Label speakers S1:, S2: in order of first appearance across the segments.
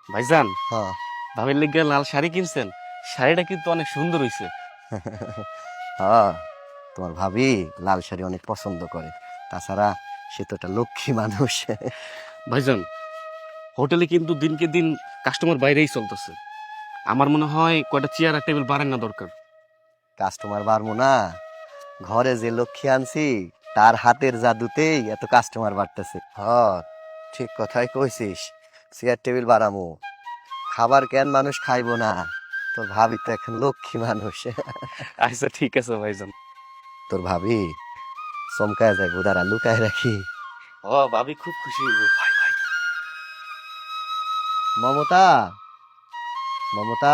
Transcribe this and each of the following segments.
S1: ভাইজান,
S2: হ্যাঁ।
S1: ভাবির লিগে লাল শাড়ি কিনছেন, শাড়িটা কিন্তু অনেক সুন্দর হইছে।
S2: হ্যাঁ, তোমার ভাবি লাল শাড়ি অনেক পছন্দ করে। তাছাড়া সে তো একটা লক্ষ্মী মানুষ।
S1: ভাইজান, হোটেলে কিন্তু দিনকে দিন কাস্টমার বাইরেই চলতেছে। আমার মনে হয় কয়টা চেয়ার আর টেবিল বাড়ান না দরকার।
S2: কাস্টমার বাড়বো না, ঘরে যে লক্ষ্মী আনছি তার হাতের জাদুতেই এত কাস্টমার বাড়তেছে। হ্যাঁ, ঠিক কথাই কইছিস। চেয়ার টেবিল বাড়ামু, খাবার কেন মানুষ খাইবো না? তোর ভাবি তো এখন লক্ষ্মী মানুষ।
S1: আচ্ছা ঠিক আছে ভাইজান।
S2: তোর ভাবি চমকায় যায়, উদারা লুকায় রাখি।
S1: ও ভাবি খুব খুশি হইব। ভাই ভাই,
S2: মমতা, মমতা,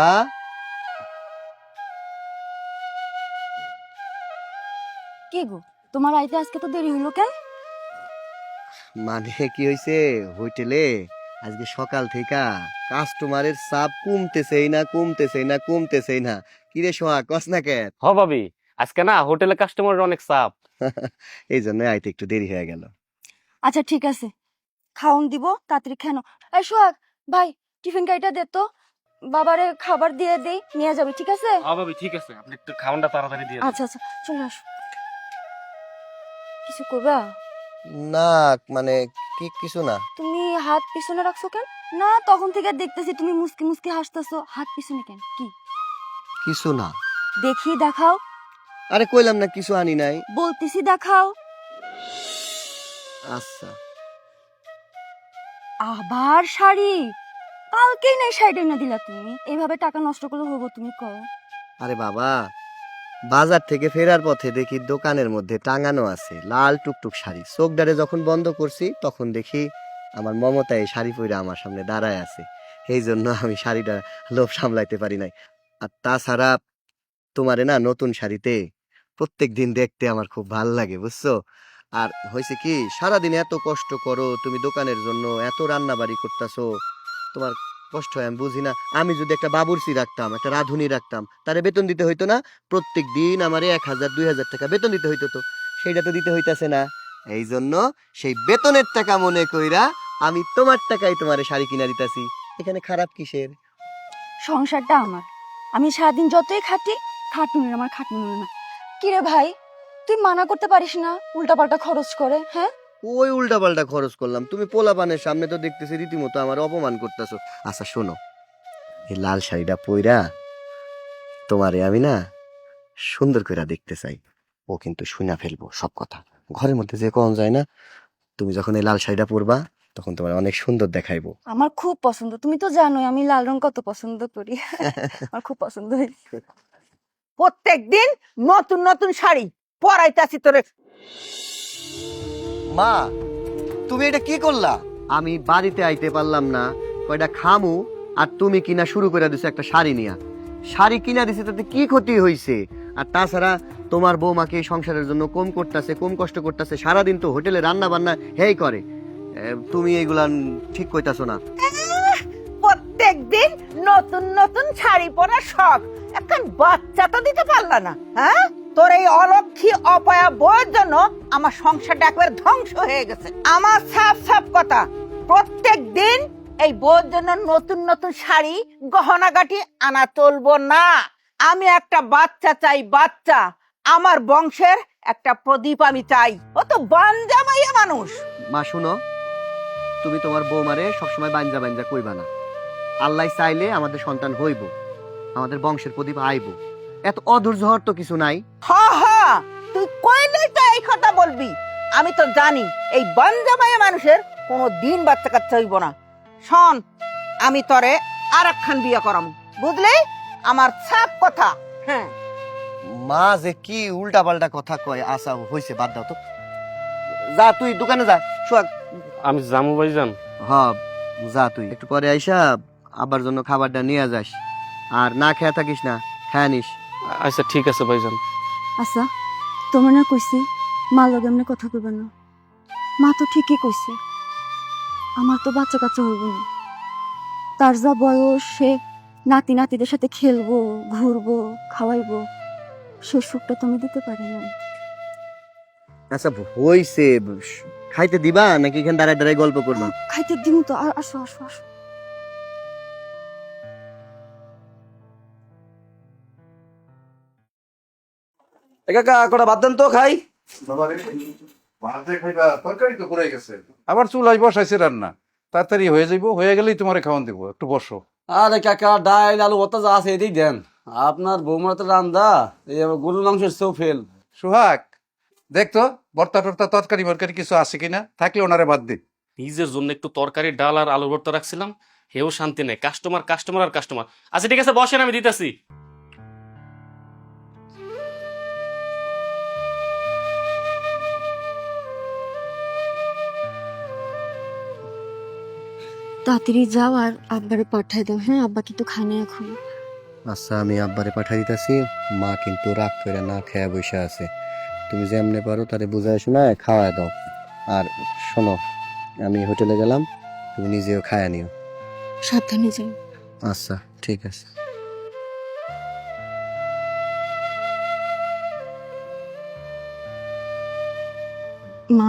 S3: কি গো, তোমার আইতে আজকে তো দেরি হইলো কেন?
S2: মানে কি হয়েছে, হোটেলে আজকে সকাল থেকে কাস্টমারের চাপ কমতেছেই না, কমতেছেই না, কমতেছেই না। কিরে সোহা, কস না কেন?
S1: হ ভাবি, আজকে না হোটেলে কাস্টমারের অনেক চাপ।
S2: এই জন্য আইতে একটু দেরি হয়ে গেল।
S3: আচ্ছা ঠিক আছে, খাওন দিব তাড়াতাড়ি খেনো। এই সোহাগ ভাই, টিফিন গাড়িটা দে তো, বাবারে খাবার দিয়ে দেই, নিয়ে যাবি, ঠিক আছে?
S1: হ্যাঁ ভাবি ঠিক আছে, আপনি একটু খাওয়ানটা তাড়াতাড়ি দিয়ে দেন।
S3: আচ্ছা আচ্ছা, চলে আসো। কিছু করবা?
S2: না, মানে কিছু না।
S3: তুমি হাত পিছনে রাখছো কেন? না, তখন থেকে দেখতেছি তুমি মুসকি মুসকি হাসতেছো, হাত পিছনে কেন? কি
S2: কিছু না।
S3: দেখি, দেখাও।
S2: আরে কইলাম না কিছু আনি নাই।
S3: বলতেছি দেখাও।
S2: আচ্ছা,
S3: আবার শাড়ি? কালকেই নাই শাড়িটা না দিলা তুমি, এইভাবে টাকা নষ্ট করলে হবো? তুমি কও।
S2: আরে বাবা, বাজার থেকে ফেরার পথে দেখি দোকানের মধ্যে টাঙানো আছে লাল টুকটুক শাড়ি। চোখদারে যখন বন্ধ করছি তখন দেখি আমার মমতা এই শাড়ি পরে আমার সামনে দাঁড়ায় আছে। এই জন্য আমি শাড়িটা লোভ সামলাইতে পারি নাই। আর তাছাড়া তোমারে না নতুন শাড়িতে প্রত্যেক দিন দেখতে আমার খুব ভাল লাগে, বুঝছো? আর হয়েছে কি, সারাদিন এত কষ্ট করো তুমি দোকানের জন্য, এত রান্না বাড়ি করতেছো, তোমার কষ্ট হয় আমি বুঝি না? আমি যদি একটা বাবুর্চি রাখতাম, একটা রাঁধুনি রাখতাম, তারে বেতন দিতে হইতো না? প্রত্যেক দিন আমারে 1,000 2,000 টাকা বেতন দিতে হইতো, তো সেইটা তো দিতে হইতাছে না। এই জন্য সেই বেতনের টাকা মনে কইরা আমি তোমার টাকায় তোমারে শাড়ি কিনা দিতাছি। এখানে খারাপ কিসের?
S3: সংসারটা আমার, আমি সারাদিন যতই খাটি, খাটুনির আমার খাটনি মনে না। কিরে ভাই, তুই মানা করতে পারিস না উল্টাপাল্টা খরচ করে? হ্যাঁ,
S2: ওই উল্টা পাল্টা খরচ করলাম, তুমি পোলাপানের সামনে তো দেখতেছি রীতিমতো আমার অপমান করতেছো। আচ্ছা শোনো, এই লাল শাড়িটা পইরা তোমারে আমি না সুন্দর করে দেখতে চাই। ও কিন্তু শুনা ফেলবো সব কথা, ঘরের মধ্যে যে কোন যায় না। তুমি যখন এই লাল শাড়িটা পরবা তখন তোমার অনেক সুন্দর দেখাইবো।
S3: আমার খুব পছন্দ, তুমি তো জানোই আমি লাল রং কত পছন্দ করি। আমার খুব পছন্দ হয়েছে।
S4: প্রত্যেকদিন নতুন নতুন শাড়ি পরাইতাছি তোরে।
S2: মা, তুমি এটা কি করলা? আমি বাড়িতে আইতে পারলাম না, কয়টা খামু, আর তুমি কিনা শুরু করে দিছো একটা শাড়ি নিয়া। শাড়ি কিনা দিছে তাতে কি ক্ষতি হইছে? আর তাছাড়া তোমার বৌমাকে এই সংসারের জন্য কম করতেছে, কম কষ্ট করতেছে, সারাদিন তো হোটেলে রান্না বান্না হেই করে। তুমি এগুলা ঠিক কইতাছো না।
S4: প্রত্যেকদিন নতুন নতুন শাড়ি পরার শখ, এখন বাচ্চা তো দিতে পারলা না। হ্যাঁ, তোর এই অলক্ষী অপয়া বউয়ের জন্য আমার সংসারটা একবার ধ্বংস হয়ে গেছে। আমার সাফ সাফ কথা, প্রত্যেকদিন এই বউয়ের জন্য নতুন নতুন শাড়ি গহনাগাটি আনা চলবো না। আমি একটা বাচ্চা চাই, বাচ্চা। আমার বংশের একটা প্রদীপ আমি চাই। ও তো বাঞ্জা মাইয়া মানুষ।
S2: মা শুনো, তুমি তোমার বৌমারে সবসময় বাঞ্জা বাঞ্জা কইবা না। আল্লাহ চাইলে আমাদের সন্তান হইব, আমাদের বংশের প্রদীপ আইব। এত অধৈর্য হওয়ার তো কিছু নাই।
S4: হা হা, তুই কইলেই তো এই কথা বলবি। আমি তো জানি এই বাঞ্জা মাইয়া মানুষের কোনো দিন বাচ্চা কাচ্চা হইব না। শোন, আমি তরে আর একখান বিয়ে করাম, বুঝলি? আমার সাপ কথা। হ্যাঁ,
S2: মা যে কি উল্টা পাল্টা কথা কয়। আশা হইছে, বাদ দাও তো। যা তুই দোকানে যা, সোহাগ।
S1: আমি জামু ভাইজান।
S2: হ্যাঁ, যা তুই একটু পরে আইসা আবার জন্য খাবারটা নিয়ে যাস। আর না খেয়ে থাকিস না, খেয়ে নিস।
S1: আচ্ছা ঠিক আছে ভাইজান।
S3: আচ্ছা, তোমার না কইছি মা লগে এমনি কথা কইবে না? মা তো ঠিকই কইছে, আমার তো বাচ্চা কাচ্চা হইব না। তার যা বয়স, সে নাতি নাতিদের সাথে খেলবো, ঘুরবো, খাওয়াইবো, সে সুখটা তো আমি দিতে পারি না।
S2: আচ্ছা হইছে, খাইতে দিবা নাকি এখানে দাঁড়ায় দাঁড়ায় গল্প করবা?
S3: খাইতে দিমু তো, আসো আসো আসো।
S5: কাকা কটা বাদ দেন তো খাই।
S6: তরকারি তো পড়ে গেছে, আবার চুলাই বসাইছে রান্না, তাড়াতাড়ি হয়ে যাইব, হয়ে গেলেই তোমারে খাওয়ান দিব, একটু বসো।
S5: আরে কাকা ডাইল আলু ভর্তা যা আছে এটাই দেন। আপনার বৌমার তো রান্দা এই আবার গরুর মাংসের সেও ফেল।
S6: সোহাগ, দেখতো ভর্তা টর্তা তরকারি মরকারি কিছু আছে কিনা, থাকলে ওনারে বাদ দিন।
S1: নিজের জন্য একটু তরকারি ডাল আর আলুর ভর্তা রাখছিলাম, হেও শান্তি নেই, কাস্টমার কাস্টমার আর কাস্টমার। আচ্ছা ঠিক আছে বসেন, আমি দিতেছি।
S3: তাড়াতাড়ি যাও আর আব্বারে পাঠাই দাও। হ্যাঁ, আব্বা কিন্তু খানে এখন।
S2: আচ্ছা, আমি আব্বারে পাঠাই দিতেছি। মা কিন্তু রাগ করে না খেয়ে বসে আছে। তুমি যেমনে পারো তারে বুঝায় শোনায় খাওয়ায় দাও। আর শোনো, আমি হোটেলে গেলাম, তুমি নিজেও খায়া নিও।
S3: সাবধানে যাও।
S2: আচ্ছা ঠিক আছে।
S3: মা,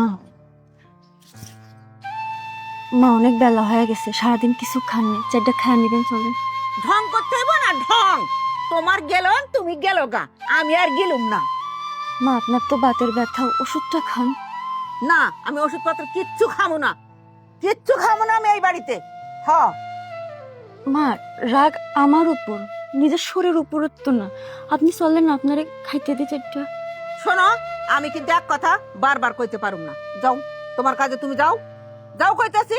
S3: মা অনেক বেলা হয়ে গেছে, সারাদিন কিছু খাননি, চারটা খায় নিবেন চলেন।
S4: ঢং করতে হইব না ঢং। তোমার গেল তুমি গেল গা, আমি আর গেলুম না।
S3: মা, আপনার তো বাতের ব্যথা, ওষুধটা খান।
S4: না, আমি ওষুধপত্র কিচ্ছু খামো না, কিচ্ছু খামো না আমি এই বাড়িতে। হ,
S3: মা, রাগ আমার উপর, নিজের শরীর উপর তো না। আপনি চললেন, আপনারে খাইতে দিই চারটা।
S4: শোনো, আমি কিন্তু এক কথা বারবার কইতে পারুম না। যাও তোমার কাজে তুমি যাও, যাও কইতাছি।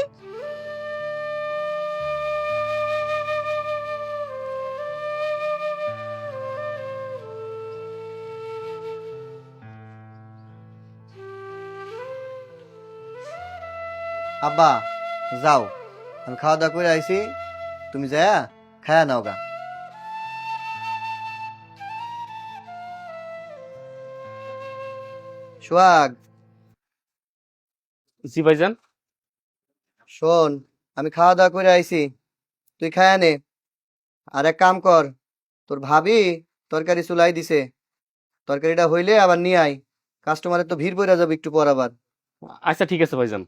S2: আব্বা যাও, আমি খাওয়া দাওয়া করে আইছি, তুমি যায়া খায়া নাও গা। সোহাগ,
S1: জি ভাইজান।
S2: শোন, আমি খাওয়া দাওয়া করে আইছি, তুই খায়া নে। আর এক কাম কর, তোর ভাবি তরকারি চুলাই দিছে, তরকারিটা হইলে আবার নিয়ে আয়, কাস্টমারের তো ভিড় পড়ে যাবে একটু পর আবার।
S1: আচ্ছা ঠিক আছে ভাইজান।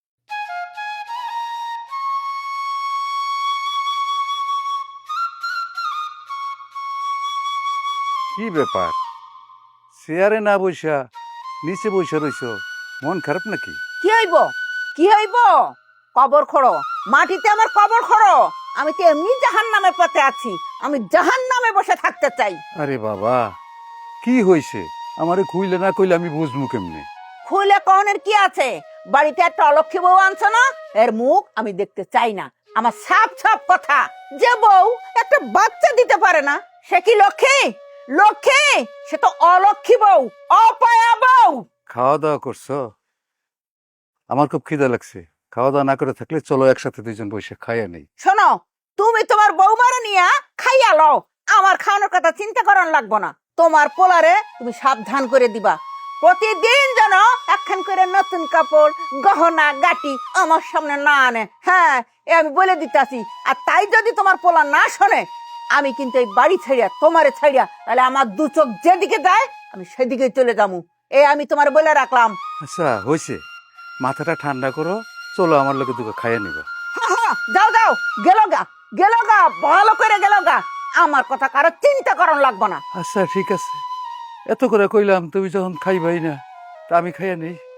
S6: কি ব্যাপার, চেয়ারে না বইসা নিচে বইসা রইছ, মন খারাপ নাকি?
S4: কি হইব, কি হইব? কবর খোঁড়ো, মাটিতে আমার কবর খোঁড়ো। আমি তো এমনি জাহান নামের পথে আছি, আমি জাহান নামে বসে থাকতে চাই।
S6: আরে বাবা, কি হইছে? আমারে খুইলে না কইলে আমি বুঝবো কেমনে?
S4: খুলে কনের কি আছে? বাড়িতে একটা অলক্ষী বউ আনছো না, এর মুখ আমি দেখতে চাই না। আমার সাপ সাপ কথা, যে বউ একটা বাচ্চা দিতে পারে না, সে কি লক্ষ্মী? লক্ষ্মী? সে তো অলক্ষী বউ, অপয়া বউ।
S6: খাওয়া দাওয়া করছো? আমার খুব খিদা লাগছে, খাওয়া দাওয়া না করে থাকলে চলো একসাথে দুইজন বসে খাইয়া নেই।
S4: শোনো, তুমি তোমার বৌমারে নিয়া খাইয়া লও, আমার খাওয়ানোর কথা চিন্তা করার লাগবো না। তোমার পোলারে তুমি সাবধান করে দিবা, প্রতিদিন যেন একখান করে নতুন কাপড় গহনা গাটি আমার সামনে না আনে। হ্যাঁ, এ আমি বলে দিতাছি। আর তাই যদি তোমার পোলা না শোনে, আমি কিন্তু এই বাড়ি ছাড়িয়া তোমারে ছাড়িয়া, তাহলে আমার দু চোখ যেদিকে যায় আমি সেদিকে চলে যাবো। এ আমি তোমার বলে রাখলাম।
S6: আচ্ছা হয়েছে, মাথাটা ঠান্ডা করো, চলো আমার লোকে দুটো খাইয়া নিবা।
S4: যাও যাও, গেল গা, গেল গা, ভালো করে গেল গা। আমার কথা কারো চিন্তা করার লাগবো না।
S6: আচ্ছা ঠিক আছে, এত করে কইলাম, তুমি যখন খাইবাই না তা আমি খাইয়া নেই।